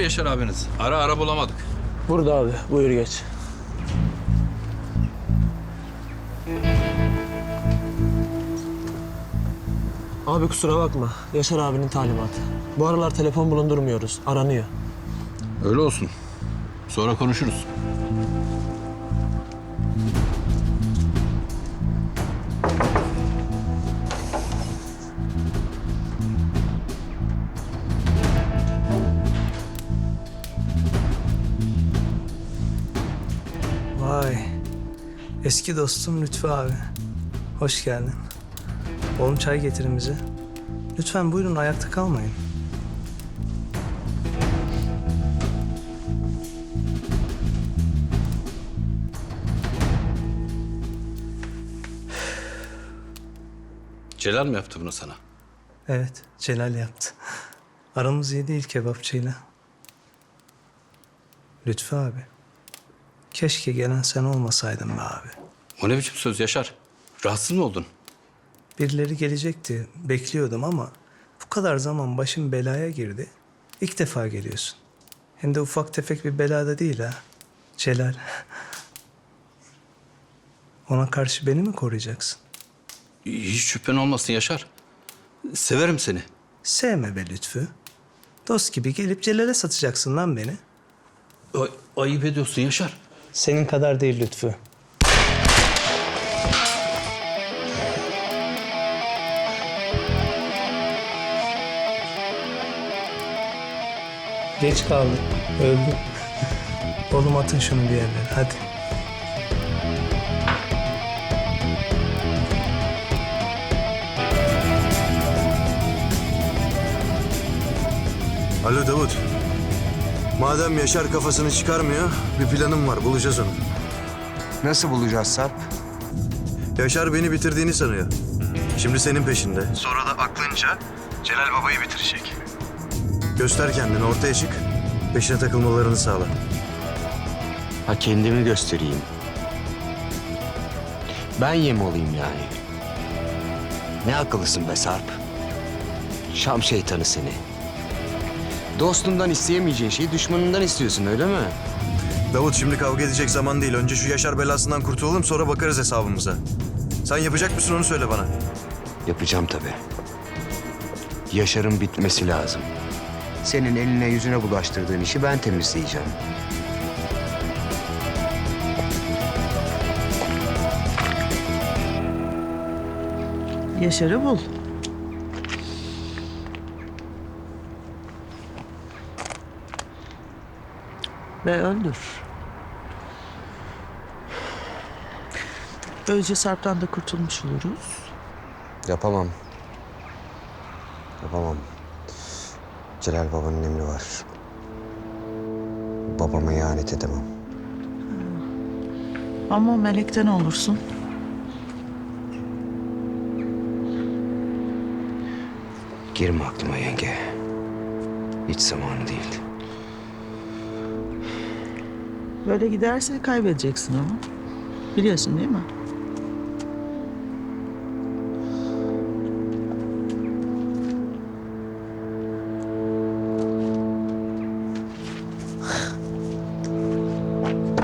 mı Yaşar abiniz? Ara bulamadık. Burada abi. Buyur geç. Abi kusura bakma. Yaşar abinin talimatı. Bu aralar telefon bulundurmuyoruz. Aranıyor. Öyle olsun. Sonra konuşuruz. Vay. Eski dostum Lütfü abi. Hoş geldin. Oğlum çay getirin bize. Lütfen buyurun, ayakta kalmayın. Celal mi yaptı bunu sana? Evet, Celal yaptı. Aramız iyi değil kebapçıyla. Lütfü abi. Keşke gelen sen olmasaydın be abi. O ne biçim söz Yaşar? Rahatsız mı oldun? Birileri gelecekti, bekliyordum ama bu kadar zaman başım belaya girdi. İlk defa geliyorsun. Hem de ufak tefek bir belada değil ha. Celal. Ona karşı beni mi koruyacaksın? Hiç şüphen olmasın Yaşar. Severim seni. Sevme be Lütfü. Dost gibi gelip Celal'e satacaksın lan beni. Ayıp ediyorsun Yaşar. Senin kadar değil Lütfü. Geç kaldı. Öldü. Oğlum atın şunu bir yerlere. Hadi. Alo Davut. Madem Yaşar kafasını çıkarmıyor, bir planım var. Bulacağız onu. Nasıl bulacağız Sarp? Yaşar beni bitirdiğini sanıyor. Şimdi senin peşinde. Sonra da aklınca Celal babayı bitirecek. Göster kendini, ortaya çık. Peşine takılmalarını sağla. Ha, kendimi göstereyim. Ben yem olayım yani. Ne akıllısın be Sarp. Şam şeytanı seni. Dostundan isteyemeyeceğin şeyi düşmanından istiyorsun, öyle mi? Davut, şimdi kavga edecek zaman değil. Önce şu Yaşar belasından kurtulalım, sonra bakarız hesabımıza. Sen yapacak mısın, onu söyle bana. Yapacağım tabii. Yaşar'ın bitmesi lazım. Senin eline yüzüne bulaştırdığın işi ben temizleyeceğim. Yaşar'ı bul. Ve öldür. Böylece Sarp'tan da kurtulmuş oluruz. Yapamam. Yapamam. Celal babanın emri var. Babama ihanet edemem. Ama melekten olursun. Girme aklıma yenge. Hiç zamanı değil. Böyle giderse kaybedeceksin ama. Biliyorsun değil mi?